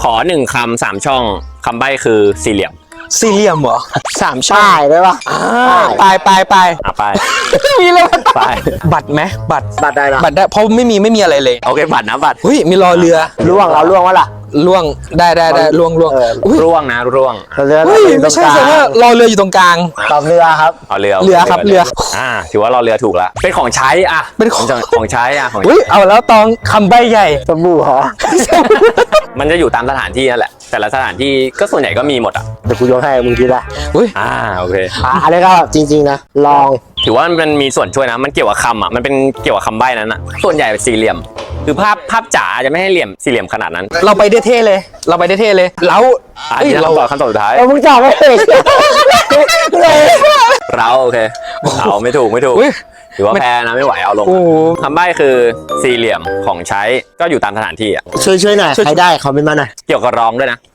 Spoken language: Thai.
ขอ1 คำ 3 ช่องคำใบ้คือสี่เหลี่ยมสี่เหลี่ยมเหรอ3 ช่องป้ายได้ปะไปไปมีเลยไปบัตรไหมบัตรบัตรได้ละบัตรได้เพราะไม่มีอะไรเลยโอเคบัตรนะบัตรเฮ้ยมีรอเรือล่วงเราล่วงวะล่ะล่วงได้ล่วงเอออุ้ยร่วงนะร่วงเรือเฮ้ยอยู่ตรไม่งใช่กลางแสดงว่ารอเรืออยู่ตรงกลางตอบเรือครับเอาเรือเรือครับเรือถือว่าเราเรือถูกแล้วเป็นของใช้อ่ะเป็นของของใช้อ่ะของอุ้ยเอาแล้วตองคำใบใหญ่สบู่เหรอมันจะอยู่ตามสถานที่นั่นแหละแต่ละสถานที่ก็ส่วนใหญ่ก็มีหมดอ่ะเดี๋ยวกูยกให้มึงคิดละอุ้ยโอเคอะไรก็จริงๆนะลองถือว่ามันมีส่วนช่วยนะมันเกี่ยวกับคำอ่ะมันเป็นเกี่ยวกับคำใบ้นั้นอ่ะส่วนใหญ่เป็นสี่เหลี่ยมคือภาพจ๋าจะไม่ให้เหลี่ยมสี่เหลี่ยมขนาดนั้นเราไปได้เท่เลย เราไปได้เท่เลยแล้วที่เราคำตอบสุดท้ายมึงตอบไม่ถูกเลยเราโอเคเราไม่ถูกอุ้ยถือว่าแพ้นะไม่ไหวเอาลงโอ้โหคำใบ้คือสี่เหลี่ยมของใช้ก็อยู่ตามสถานที่อ่ะช่วยหน่อยใครได้คอมเมนต์มาหน่อยเกี่ยวกับร้องด้วยนะ